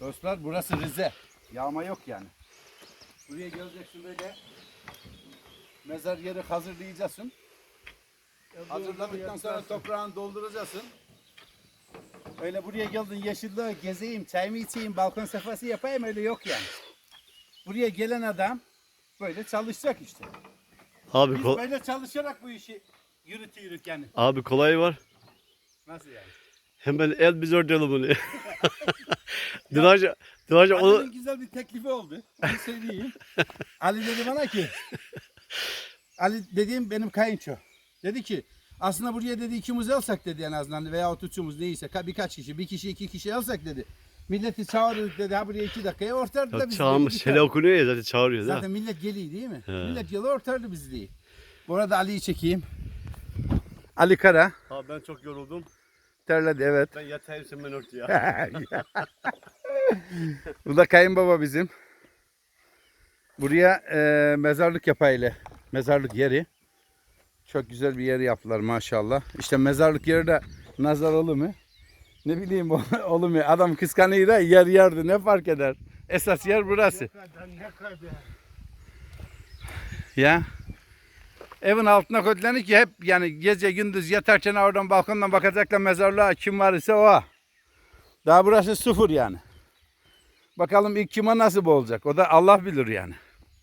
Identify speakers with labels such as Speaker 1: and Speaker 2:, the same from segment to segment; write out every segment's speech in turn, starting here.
Speaker 1: Dostlar burası Rize. Yağma yok yani. Buraya geleceksin böyle. Mezar yeri hazırlayacaksın. Hazırladıktan sonra toprağını dolduracaksın. Öyle buraya geldin yeşilliğe gezeyim, çayımı içeyim, balkon sefası yapayım öyle yok yani. Buraya gelen adam böyle çalışacak işte.
Speaker 2: Abi,
Speaker 1: Biz böyle çalışarak bu işi yürütüyoruz yani.
Speaker 2: abi kolay var.
Speaker 1: Nasıl yani?
Speaker 2: Hemen el biz örtelim bunu. Dıraca onu...
Speaker 1: Ali'nin güzel bir teklifi oldu. Onu söyleyeyim. Ali dedi bana ki, Ali dediğim benim kayınço. Dedi ki aslında buraya dedi ikimiz alsak dedi en azından veya üçümüz neyse birkaç kişi, bir kişi iki kişi alsak dedi. Milleti çağırırdık dedi ha buraya 2 dakikaya ortardı da bizi.
Speaker 2: Çağırmış, sele okunuyor ya zaten çağırıyor.
Speaker 1: Zaten millet geliyor değil mi? Millet geliyor ortardı bizi diye. Bu arada Ali'yi çekeyim. Ali Kara.
Speaker 2: Abi ben çok yoruldum.
Speaker 1: Terledi evet.
Speaker 2: Ben yatayım sen ben örtü ya.
Speaker 1: Bu da kayınbaba bizim. Buraya mezarlık yapayla. Mezarlık yeri. Çok güzel bir yer yaptılar maşallah. İşte mezarlık yeri de nazar olur mu? Ne bileyim olur mu? Adam kıskanıyor da yer yerdi ne fark eder? Esas yer burası.
Speaker 3: Ne kadar.
Speaker 1: Ya. Evin altına koydular ki hep yani gece gündüz yatarken oradan balkondan bakacaklar mezarlığa kim var ise o. Daha burası sıfır yani. Bakalım ilk kime nasip olacak. O da Allah bilir yani.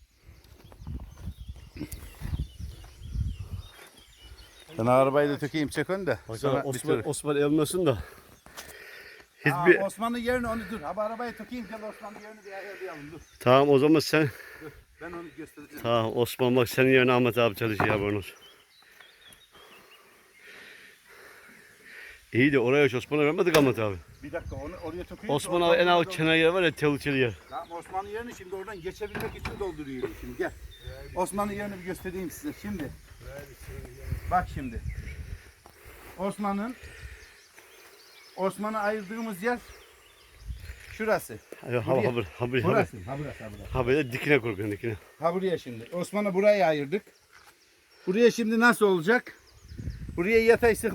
Speaker 1: Ben arabayı da tökeyim çek onu da. Sonra
Speaker 2: Osman elmasın da.
Speaker 1: Hiçbir... Osman'ın yerini onu dur. Abi arabayı tökeyim gel Osman'ın yerini bir ayarlayalım dur.
Speaker 2: Tamam o zaman sen.
Speaker 1: Dur. Ben onu göstereceğim.
Speaker 2: Tamam Osman bak senin yerine Ahmet abi çalışıyor ya bonus. İyi de oraya hiç Osman'a vermedik Ahmet abi.
Speaker 1: Bir dakika onu oraya tökeyim.
Speaker 2: Osman abi en alt kenar yer var ya tehlikeli yer.
Speaker 1: Tamam Osman'ın yerini şimdi oradan geçebilmek için dolduruyorum şimdi gel. Osman'ın yerini bir göstereyim size şimdi. Bak şimdi. Osman'ı ayırdığımız yer şurası. Burası.
Speaker 2: Ha böyle dikine korkun dikine.
Speaker 1: Ha buraya şimdi. Osman'ı buraya ayırdık. Buraya şimdi nasıl olacak? Buraya yatay sık